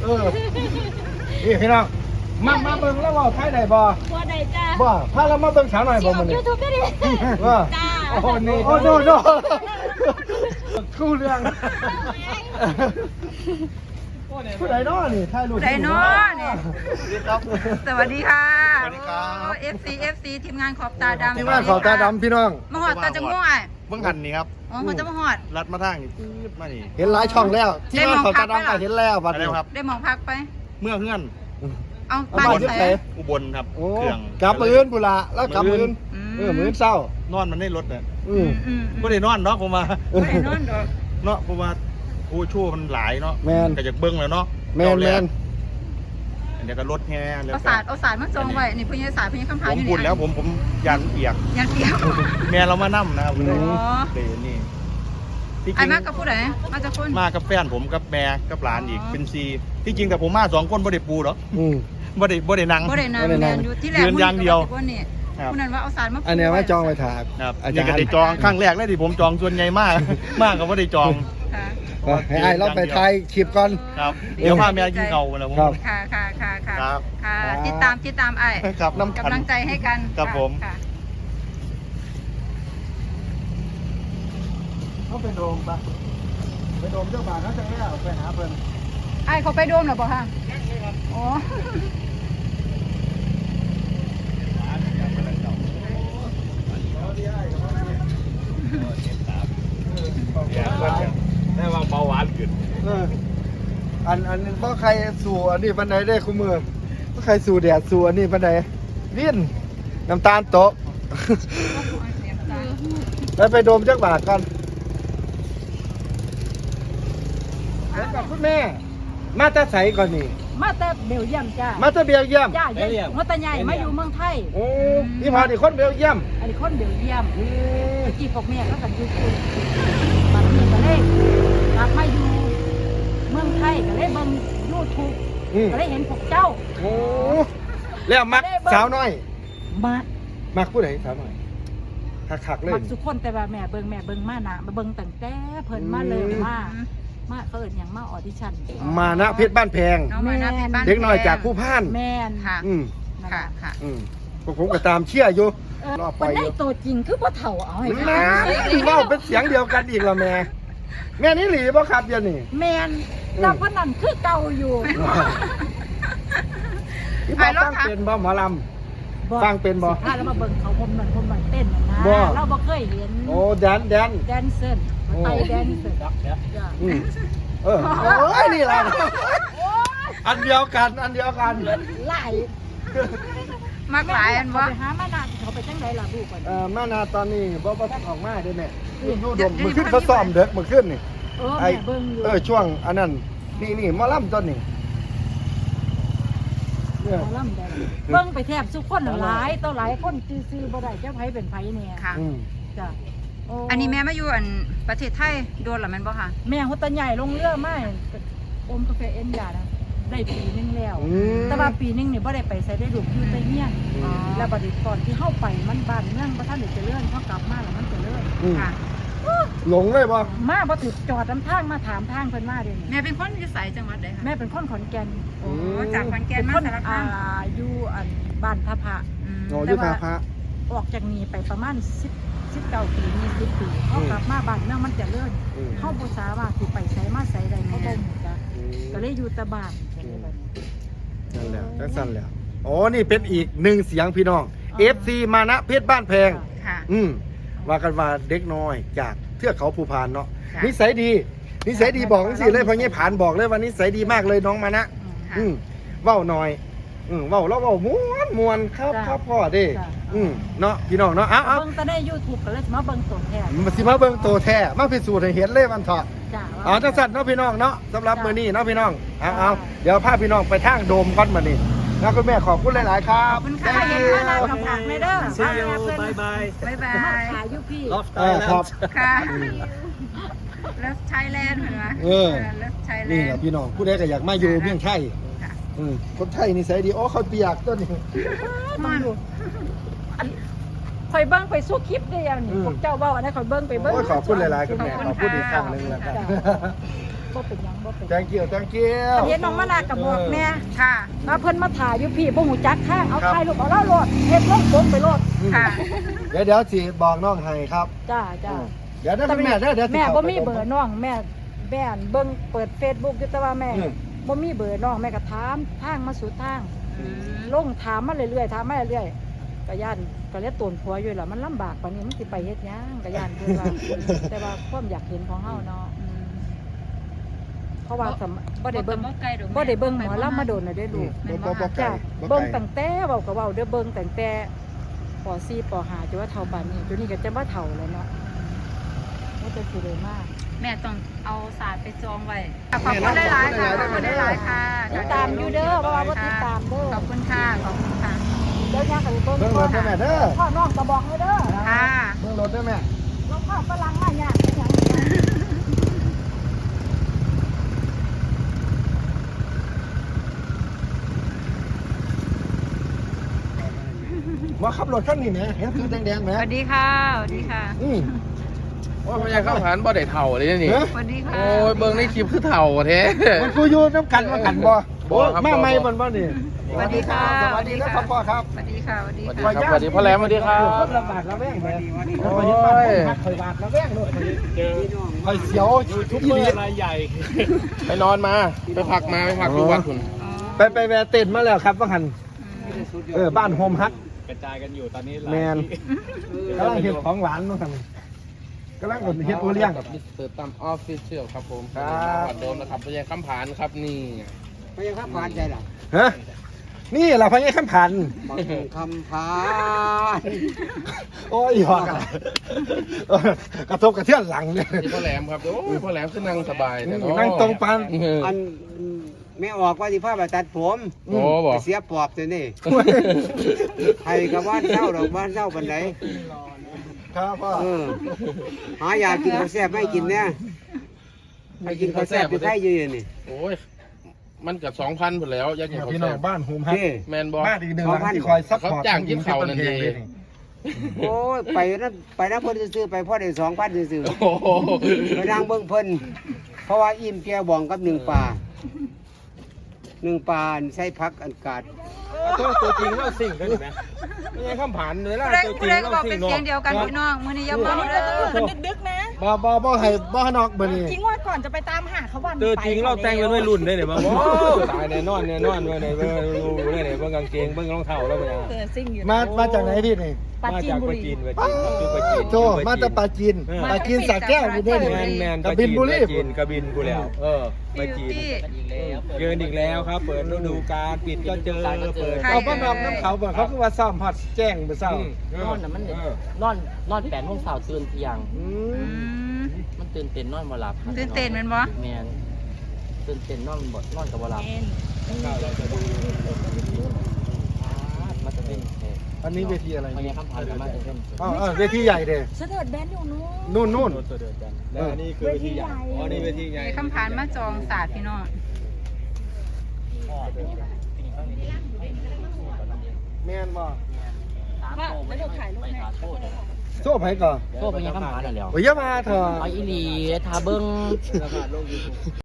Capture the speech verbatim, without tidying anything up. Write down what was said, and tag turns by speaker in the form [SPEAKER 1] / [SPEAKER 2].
[SPEAKER 1] อนี่พี่น้องมามาเบิ่งแล้วว่าไทยได้บ่
[SPEAKER 2] บ่ได้จ้า
[SPEAKER 1] บ่พาเรามาเบิ่งสาวหน่อยบ่มื้อนี้
[SPEAKER 2] ยูทูบได้ดิ
[SPEAKER 1] ว่า
[SPEAKER 2] จ้า
[SPEAKER 1] โอ้นี่โอ้โนโนคู่เรื่องผู้ใดน้อนี่ถ่ายรูป
[SPEAKER 3] ผู้ใดน้อนี่สวัสดีค่ะสวัสดีครับ เอฟ ซี เอฟ ซี ทีมงานขอบตาดำ
[SPEAKER 1] ทีมงานขอบตาดำพี่น้อง
[SPEAKER 3] มาหอดตาจังม่วงอ่ะ
[SPEAKER 4] เบื้องหันนี่ครับ
[SPEAKER 3] อ๋อมันจะมาหอด
[SPEAKER 4] รัดมาทางนี่ปื๊ดมานี่
[SPEAKER 1] เห็นหลายช่องแล้วที่งานขอบตาดำไปเห็นแล้วบัด
[SPEAKER 4] อะไร
[SPEAKER 1] นี้
[SPEAKER 4] ครับ
[SPEAKER 3] ได้มองพักไป
[SPEAKER 4] เมื่อเพื่อน
[SPEAKER 3] เอาบ้าน
[SPEAKER 1] ที่
[SPEAKER 3] ที่
[SPEAKER 1] ไห
[SPEAKER 3] ไห
[SPEAKER 1] น
[SPEAKER 3] น
[SPEAKER 4] อุบลครับ
[SPEAKER 1] โอ้
[SPEAKER 4] เครื่อง
[SPEAKER 1] กลับมื้ออื่นพุ่นละแล้วกลับมื้ออื่นเออมื้ออื่นเช้าน
[SPEAKER 4] อนมันได้รถเนี่ย
[SPEAKER 1] อืม
[SPEAKER 3] อืม
[SPEAKER 4] ไม่ได้นอนเนาะผมว่า
[SPEAKER 3] ไม่ได้นอนดอก
[SPEAKER 4] เนาะเพราะว่าโอ้ชั่วมันหลายเนาะ
[SPEAKER 1] แมน
[SPEAKER 4] ก็จะเบิ้งแล้วเนาะ
[SPEAKER 1] แมนแมน
[SPEAKER 4] เดี๋ยวก็รถแห่แล้ว
[SPEAKER 3] เอาสาดเอาสาดมาจองไว้นี่เพื่อนสาดเพื่อนคำถาม
[SPEAKER 4] ผม
[SPEAKER 3] อยู่
[SPEAKER 4] พู
[SPEAKER 3] นี่
[SPEAKER 4] ดแล้วผมผมยันเปียก
[SPEAKER 3] ยันเปียก
[SPEAKER 4] แม่เรามานั่มนะครับ
[SPEAKER 3] อ๋อ
[SPEAKER 4] เดี๋ยวนี่ที่จ
[SPEAKER 3] ไอ้
[SPEAKER 4] ริง
[SPEAKER 3] มากกับผู้ใดมาจากคน
[SPEAKER 4] มากับแฟนผมกับแม่กับหลานอีกเป็นซีที่จริงแต่ผมมาสองคนบ่ได้ปูหรอก
[SPEAKER 1] อืม
[SPEAKER 4] บ่ได้บ่ได้นั่ง
[SPEAKER 3] บ่ได้นาน
[SPEAKER 1] บ่ได้
[SPEAKER 3] แม
[SPEAKER 1] นั่ง
[SPEAKER 3] นอยู่ที่แรก
[SPEAKER 4] ยืนอย่างเดียว
[SPEAKER 3] คนนี่
[SPEAKER 4] ครับ
[SPEAKER 3] คนนั้นว่าเอาสาดมา
[SPEAKER 1] อันเนี้ยว่าจองไว้ถาก
[SPEAKER 4] ครับ
[SPEAKER 1] อา
[SPEAKER 4] นี่
[SPEAKER 1] จาร
[SPEAKER 4] ก็
[SPEAKER 1] ย์
[SPEAKER 4] ได้จองครั้งแรกเลยที่ผมจองส่วนใหญ่มาก มากก็บ่ได้จอง
[SPEAKER 3] ค่ะ
[SPEAKER 1] ก็ให้ไอ้เราไปถ่ายคลิปก่อน
[SPEAKER 4] ครับเดี๋ยวพาแม่กินเก่าแล้วผม
[SPEAKER 1] ครับ
[SPEAKER 3] ค่ะค่ะค่ะค่ะ
[SPEAKER 4] ครับ
[SPEAKER 3] ค่ะติดตามติดตามไอ้
[SPEAKER 4] ครับน้ำกัน
[SPEAKER 3] กำลังใจให้กัน
[SPEAKER 4] ครับผม
[SPEAKER 3] ค่ะ
[SPEAKER 1] เขาไปโดมปะไปโดมเจ้าบ่าวเขาจะไม่เอาไปหาเพิ่น
[SPEAKER 3] ไอ้เขาไปโดมหรอเปล่าคะอ๋อ
[SPEAKER 4] ได้ว่าเบาหวานขึ้น
[SPEAKER 1] เอออันอันเพราะใครสู่อันนี้ปันไดได้คู่มือเพราะใครสู่แดดสู่อันนี้ปันไดวิ่นน้ำตาลโตะ แล้วไปโดมเจ้าบ่าวกันแล้วกับคุณแม่ มาตาใสก่อนนี่
[SPEAKER 5] มาแต่เบลเยียมจ้า
[SPEAKER 1] มาตาเบียเยี่ยม
[SPEAKER 5] จ้าเยี่ยมมาแต่ใหญ่มาอยู่เมืองไทย
[SPEAKER 1] โอ้พี่พาดิคนเบียเยี่ยม
[SPEAKER 5] อันนี้คนเบลเยียม
[SPEAKER 1] อืม
[SPEAKER 5] กี่พวกแม่ก็กันอยู่คุยบัดนี้ก็เลยกลับมาอยู่เมืองไทยก็เลยเบิ่งยูทูบ
[SPEAKER 1] อืม
[SPEAKER 5] ก็เลยเห็นพวกเจ้า
[SPEAKER 1] โอ้แล้วมักสาวน้อย
[SPEAKER 5] มา
[SPEAKER 1] มักผู้ใดสาวน้อยคักๆเลย
[SPEAKER 5] มักทุกคนแต่ว่าแม่เบิ่งแม่เบิ่งมานะมาเบิ่งตั้งแต่เพิ่นมาเลย
[SPEAKER 1] อืม
[SPEAKER 5] มามาเขาเอิ้นหยังมาออดิชั่น
[SPEAKER 1] มานะเพชรบ้านแพง
[SPEAKER 3] น้องมานะเพชรบ้าน
[SPEAKER 1] เด็กน้อยจากผู้พ่าน
[SPEAKER 5] แม่น
[SPEAKER 3] ค่ะ
[SPEAKER 1] อืม
[SPEAKER 5] นั่น
[SPEAKER 3] ค่ะ
[SPEAKER 5] ล่ะ
[SPEAKER 3] ค่ะ
[SPEAKER 1] อืมพวกผมก็ตามเชียร์อยู่
[SPEAKER 5] เออ
[SPEAKER 1] รอปล่
[SPEAKER 5] มั
[SPEAKER 1] อน ยอ
[SPEAKER 5] ได้
[SPEAKER 1] ยู่
[SPEAKER 5] ตัวจริงคือบ่เฒ่าเอาให้
[SPEAKER 1] นะเล่าเป็นเสียงเดียวกันอีกละแม่แม่นี่หลีบ่ครับเดี๋ยวนี้
[SPEAKER 5] แม่นแต่พนันคือเก่าอยู่
[SPEAKER 1] พี่พ่อฟังเป็นบ่หมอลำฟังเป็นบ่
[SPEAKER 5] ถ้าเรามาเบิ่งเขาผมนั่นผมนั่นเต้นน่ะนะ
[SPEAKER 1] บ่
[SPEAKER 5] เราบ่เคยเห็น
[SPEAKER 1] โอ้แดนแดน
[SPEAKER 5] แดนเซอร์
[SPEAKER 1] โอ้
[SPEAKER 5] ไทยแดนเซอร์จ้ะ
[SPEAKER 1] อืมเออโอ้ยนี่ล่ะอันเดียวกันอันเดียวกัน
[SPEAKER 5] หลาย
[SPEAKER 3] มากหลายอัน
[SPEAKER 5] เขา
[SPEAKER 3] วะ
[SPEAKER 5] ไปหามานานเขาไปจังไดล่ะลูกก่อน
[SPEAKER 1] เอ่อมานาตอนนี้บ่บ่ทันออกมาเด้อแม่อยู่อยู่ดม
[SPEAKER 3] เดี๋ยว
[SPEAKER 1] มื้อขึ้นเขาซ้อมเด็กมื้อขึ้นนี่
[SPEAKER 5] เออ
[SPEAKER 1] ไอ้
[SPEAKER 5] แม่เบิ่งอยู่
[SPEAKER 1] เออช่วงอันนั้นนี่นี่หมอลำต้นนี่เนี่ย
[SPEAKER 5] หมอลำแดงเบิ่งไปแทบทุกคนน่ะหลายต่อหลายคนซื่อๆบ่ได้เจ้าไผเป็นไผเนี่ย
[SPEAKER 3] ค่ะ
[SPEAKER 1] อืม
[SPEAKER 5] จ้ะโ
[SPEAKER 3] อันนี้แม่มาอยู่อันประเทศไทยโดนหรือแม่นบ่ค่ะ
[SPEAKER 5] แม่หัวตาใหญ่ลงเรือมาอมกาแฟเอ็นยานะได้ปีนึงแล้ว
[SPEAKER 1] อืม
[SPEAKER 5] แต่ว่าปีนึงนี่บ่ได้ไปใส่ได้ลูกอยู่แต่เฮียน
[SPEAKER 3] อ๋อ
[SPEAKER 5] แล้วบัดนี้ก่อนที่เฮาไปมันบ้านเมืองบ่ทันได้เจริญเฮากลับมาแล้วมันเจริญ
[SPEAKER 1] อืม
[SPEAKER 3] ค่ะ
[SPEAKER 1] หลงเลยบ่
[SPEAKER 5] มาบ่ถึกจอดนำทางมาถามทางเพิ่นมาเด้นี่
[SPEAKER 3] แม่เป็นคนอยู่ไสจังหวัดใดคะ
[SPEAKER 5] แม่เป็นคนขอนแก่น
[SPEAKER 3] โอ้จากขอนแก่น
[SPEAKER 5] เป็น
[SPEAKER 3] มา
[SPEAKER 5] คน
[SPEAKER 3] สารคา
[SPEAKER 5] อ่าม อยู่อันบ้านท่าพระ
[SPEAKER 3] อืม
[SPEAKER 1] โอ้ยุทธาพระ
[SPEAKER 5] ออกจากนี้ไปประมาณสิบ สิบเก้าปียี่สิบปีเฮากลับมาบ้านเมืองมันเจริญ
[SPEAKER 1] อืม
[SPEAKER 5] เฮาบ่สามารถสิไปไสมาไสได้เฮาบ่ฮู้จักก็เลยอยู่แต่บ้านก็เลยแบบ
[SPEAKER 1] นั่นแหละจังสั้นแหล้วโอ้นี่เป็นอีกหนึ่งเสียงพี่น้อง เอฟ ซี มานะเพชรบ้านแพง
[SPEAKER 3] ค่ะ
[SPEAKER 1] อืมว่ากันว่าเด็กน้อยจากเทือกเขาภูพานเนาะ
[SPEAKER 3] ค่ะ
[SPEAKER 1] นิสัยดีนิสัยดีบอกสิเลยเพราะงี้ผ่านบอกเลยว่านิสัยดีมากเลยน้องมานะ
[SPEAKER 3] ค่ะ
[SPEAKER 1] อืมเว้าหน่อยอืมเว้าแล้วเว้าม้วนมวนครับครับพ่อเด้อืมเนาะพี่น้องเนาะเอ้าเอ้า
[SPEAKER 5] เบิ่งแต่ใน YouTube ก็เลยสิมาเบิ่งตัวแท้
[SPEAKER 1] มาสิมาเบิ่งโตแท้มาพิสูจน์ให้เห็นเลยมันเถาะ
[SPEAKER 5] จ้า
[SPEAKER 1] อ๋อจังสั่นเนาะพี่น้องเนาะสำหรับมื้อนี้เนาะพี่น้องเอาเอาเดี๋ยวพาพี่น้องไปทางโดมก่อนมื้อนี้นะคุณแม่ขอบคุณหลายๆครับ
[SPEAKER 3] ขอบคุณค่ะ
[SPEAKER 5] เห็นมานากับผักในเด้อ
[SPEAKER 4] See you bye bye
[SPEAKER 3] บ๊ายบา
[SPEAKER 5] มาย ขายอยู่พี่
[SPEAKER 4] Love
[SPEAKER 1] เออครับ
[SPEAKER 3] ค่ะแล้วไทยแลนด์เหมือนไหม
[SPEAKER 1] เออ
[SPEAKER 3] แล้วไทยแล
[SPEAKER 1] นี่
[SPEAKER 3] น
[SPEAKER 1] แหละ
[SPEAKER 3] ด์
[SPEAKER 1] พี่น้องผู้ใดก็อยากมาอยู่เมืองไทย
[SPEAKER 3] ค่ะ
[SPEAKER 1] อืมคนไทยนิสัยดีโอ้เขาเปียกต้นนี้
[SPEAKER 5] มาดูข่อยเบิ่งไปสู้คลิปได้ยังนี่
[SPEAKER 1] อืม
[SPEAKER 5] พวกเจ้าเว้าอันนั้นข่อยเบิ่งไปเบิ่ง
[SPEAKER 1] โอ้ยขอบคุณหลายๆคุณแม่ขอบคุณอีกครั้งหนึงแล้วกัน
[SPEAKER 5] จ้ะบ่เป็นหยังบ่เป็น
[SPEAKER 1] แตงเกียวแตงเกียว
[SPEAKER 5] เห็นน้องมะนาวก็บอกแม่
[SPEAKER 3] ค่ะ
[SPEAKER 5] ว่าเพิ่นมาถ่ายอยู่พี่บ่ฮู้จักทางเอา
[SPEAKER 1] ครับ
[SPEAKER 5] ถ่ายรูปเอาแล้วโลดเฮ็ดลงผมไปโลด
[SPEAKER 3] ค่ะ
[SPEAKER 1] เดี๋ยวเดี๋ยวสิบอกน้องให้ครับ
[SPEAKER 5] จ้าจ้า
[SPEAKER 1] เดี๋ยวได้คุณแม่เด้อเดี๋ยวสิ
[SPEAKER 5] แม่
[SPEAKER 1] ข้า
[SPEAKER 5] บ่
[SPEAKER 1] ไป
[SPEAKER 5] มีเบอร์น้องแม่แม่นเบิ่งเปิด Facebook อยู่แต่ว่าแม่
[SPEAKER 1] อืม
[SPEAKER 5] บ่มีเบอร์น้องแม่ก็ถามทางมาสู่ทาง
[SPEAKER 3] อืม
[SPEAKER 5] ลงถามมาเรื่อยๆถามมาเรื่อยๆก็ย่านก็เลยตนผัวอยู่ล่ะมันลำบากปานนี้มันสิไปเฮ็ดหยังก็ย่านเพิ่นว่า แต่ว่าความอยากเห็นของเฮาเนาะ
[SPEAKER 3] อืม
[SPEAKER 5] เพราะว่าสมบ่ได้เบิ่ง
[SPEAKER 3] บ่ไกลดอกแม่
[SPEAKER 5] บ่ได้เบิ่งหมอลำมาโดนน่ะเด้อลูก
[SPEAKER 1] บ่บ่บ่ไกล
[SPEAKER 5] จ้ะ
[SPEAKER 1] บ่ไกล
[SPEAKER 5] เบิ่งตั้งแต่เว้าก็เว้าเด้อเบิ่งตั้งแต่ป .สี่ ป .ห้า จนว่าเฒ่าปานนี้จนนี้ก็จะบ่เฒ่าแล้วเนาะมันจะสิได้มาก
[SPEAKER 3] แม่ต้องเอาศาสตร์ไปจองไว้ขอบคุณหลายๆค่ะขอบคุณหลายๆค่ะ
[SPEAKER 5] ติดตามอยู่เด้อเพราะว่าบ่ติดตามเด้อ
[SPEAKER 3] ขอบคุณค่ะขอบคุณค่ะ
[SPEAKER 5] เดี๋ยวย่างก็ไปเบิ่ง
[SPEAKER 1] เบิ่งรถได้แม่เด้อ
[SPEAKER 5] พ่อน้องก็บอกให้เด้อ
[SPEAKER 3] ค่ะ
[SPEAKER 1] เบิ่งรถได้แม่
[SPEAKER 5] ลงพ่อฝรั่งมาย่างเป็นหยัง
[SPEAKER 1] ว่าขับรถคันนี้แหมเห็นคือแดงๆแหม
[SPEAKER 3] สวัสดีค่ะสวัสดีค่ะ
[SPEAKER 1] อืม
[SPEAKER 2] ว่าพญาข้าวหานบ่ได้เท่าเลยนี่
[SPEAKER 1] เฮ้ย
[SPEAKER 3] สวัสดีค่ะ
[SPEAKER 2] โอ้ยเบิ่งในคลิปคือเท่าแท้
[SPEAKER 1] มันกูอยู่น้ำกันมากันบ่
[SPEAKER 2] บ่ครับ
[SPEAKER 1] มาใหม่
[SPEAKER 2] บ่
[SPEAKER 1] บ่บ่นี่
[SPEAKER 3] สวัสดีค่ะ
[SPEAKER 1] สวัสดีครับพ่อครับ
[SPEAKER 3] สวัสดีค่ะสวัสดี
[SPEAKER 2] สวัสดี
[SPEAKER 3] ค่ะ
[SPEAKER 2] ครับสวัสดีพ่อแหลมสวัสดีครับ
[SPEAKER 1] คนลำบากละแวงแหม
[SPEAKER 2] โอ้ย
[SPEAKER 1] คอยเห็นบ้านคนพักคอยบาดละแวงเลยคอยเสียวทุกมือ
[SPEAKER 2] ไปนอนมา ไปพักมาไปพักดูวัดคุณ
[SPEAKER 1] ไปไปแวะเต้นมาแล้วครับว่าหันเออบ้านโฮมฮัก
[SPEAKER 6] กระจายกันอยู่ตอนนี้หลาย
[SPEAKER 1] แมน
[SPEAKER 6] ที่
[SPEAKER 1] กำลังเห็ดของหวานนู่นทำกำลังเห็ดโอเลี้ยง
[SPEAKER 2] กับมิสเตอร์ตั้มออฟฟิเชียลครับผม
[SPEAKER 1] ครับ
[SPEAKER 2] วัดโดมนะครับพญาข้ามผานครับนี่
[SPEAKER 7] ไม่ใช่ข้ามพานใจหรอ
[SPEAKER 1] ฮะนี่เราพญาขันผัน
[SPEAKER 7] บักคำพาน
[SPEAKER 1] โอ้ยหอกอะไรเออกระทบกระเทือนหลังเนี่ย
[SPEAKER 2] นี่พ่อแหลมครับโอ้ยพ่อแหลมคือนั่งสบายแต่เนาะ
[SPEAKER 1] นั่งตรงปาน
[SPEAKER 2] เออ
[SPEAKER 7] อันไม่ออกว่าที่ผ้าไปตัดผม
[SPEAKER 2] โอ้บอก
[SPEAKER 7] ไปเสียปอบตัวนี่ใครกับบ้านเช่าดอกบ้านเช่าปันไหน
[SPEAKER 1] ครับพ่อ
[SPEAKER 7] เออหายากินข้าวแซ่บไม่กินเนี่ยให้กินข้าวแซ่บอยู่ใกล้ยืนนี่
[SPEAKER 2] โอ้ยมันเกับสองพันหมดแล้วอยากกินข้าว
[SPEAKER 1] พี่น้อ
[SPEAKER 2] แซ่
[SPEAKER 1] ง
[SPEAKER 2] บ
[SPEAKER 1] บ้านโฮมฮัก
[SPEAKER 7] พี่
[SPEAKER 2] แมนบอ
[SPEAKER 1] บ้านอีกหนึ่งหลังที่คอยซัพพอร์ต
[SPEAKER 2] เขาจ้างกินข้าวนั่นเอง
[SPEAKER 7] โอ้ยไปนั่นไปนั่นเพิ่นซื้อไปพ่อได้สองพันซื้อ
[SPEAKER 2] โอ้โห
[SPEAKER 7] ไปนั่งเบิ่งเพิ่นเพราะว่าอิ่มแก้วบองกับหนึ่งปลาหนึ่งปลาใส่พักอันกาด
[SPEAKER 6] ตัวตัวจริงเล่าสิ่งกันไหมไม่ใช่ข้ามผ่านเลยล่ะ
[SPEAKER 3] ผู้ใด
[SPEAKER 6] ตัวจ
[SPEAKER 3] ผู้
[SPEAKER 6] ริง
[SPEAKER 3] ใดก็
[SPEAKER 6] เล่า
[SPEAKER 3] บอก
[SPEAKER 6] สิ่
[SPEAKER 3] เป็
[SPEAKER 6] ง
[SPEAKER 3] น
[SPEAKER 6] เนาะ
[SPEAKER 3] เสียงเดียวกันพี่น้องมื้อนี้อย่าเมาเด้อ
[SPEAKER 8] ดึกๆนะ
[SPEAKER 1] บ่บ่บ่ให้บ่ให้นอกเบอร์นี้
[SPEAKER 8] จริงว่าก่อนจะไปตามหาเขาวัน
[SPEAKER 6] ตัวจริงเราแต่งเป็นวัยรุ่นได้เนี่ยมาโอ้
[SPEAKER 1] ตายแน่นอนแน่นอนเว้ย
[SPEAKER 6] เบิ่งรู้ได้เนี่ยเบิ่งกางเกงเบิ่งรองเท้าแล้วเป็นยัง
[SPEAKER 8] เออซิ่งอยู่
[SPEAKER 1] มามาจากไหนพี่นี่
[SPEAKER 5] ปรา
[SPEAKER 6] มา
[SPEAKER 5] จีน
[SPEAKER 6] จาก
[SPEAKER 5] บุ
[SPEAKER 6] ป
[SPEAKER 5] รี
[SPEAKER 6] ระจีนประจีนอยู่ประจีน
[SPEAKER 1] โตมาจากปลาจีนปลาจีนสระแก้วอยู่ด้วย
[SPEAKER 6] แม
[SPEAKER 1] นี่
[SPEAKER 6] นแมน
[SPEAKER 1] กบินบุรี
[SPEAKER 6] ปะจีนกระบินกูแล้ว เออป
[SPEAKER 3] บิ
[SPEAKER 6] ระ
[SPEAKER 3] ว
[SPEAKER 6] จีน
[SPEAKER 3] ตี้
[SPEAKER 6] เยืนอีกแล้วครับ เปิดฤดูกาลปิดก็เจอเปิด
[SPEAKER 3] ใคร
[SPEAKER 1] เอาบ้านนอกน้ำเขาบ่เขาคือว่าซ่อมฮอดแจ้งบ่เศร้า
[SPEAKER 6] นอนน่ะมัน
[SPEAKER 9] นอนนอนแปดโมงเช้าตื่นเที่ยง
[SPEAKER 1] อื
[SPEAKER 3] อื
[SPEAKER 1] ม
[SPEAKER 3] ม
[SPEAKER 9] มันตื่นเต้นนอนบ่หลับครับ
[SPEAKER 3] ตื่นเต้นแม่นบ่
[SPEAKER 9] แมนตื่นเต้นนอนบ่นอนกับบ่หลับมันจะเป็นเอ่อ
[SPEAKER 1] อันนี้เวทีอะไร
[SPEAKER 9] พญาคำพันธ์กับมาจะเป็น
[SPEAKER 1] อ๋อเออเวทีใหญ่เด้
[SPEAKER 8] เสด็จแบนอยู่นู้น
[SPEAKER 1] นู่นนู่น
[SPEAKER 6] ตัวเดือดกันแล้วอันนี้คือเวทีใหญ่อ๋อนี่เวทีใหญ่
[SPEAKER 3] มีคำผ่านมาจองศาสตร์พี่น้อง
[SPEAKER 1] แม่นบ่
[SPEAKER 8] ว่าแล้วเดี๋ยวถ่ายรูปให้
[SPEAKER 1] โซ่ไผก่อน
[SPEAKER 9] โทษพญาคำพันธ์นั่นแหล้ว
[SPEAKER 1] โอ้ยอย่ามาเถอะ
[SPEAKER 9] เอาอีหลีทาเบิ่ง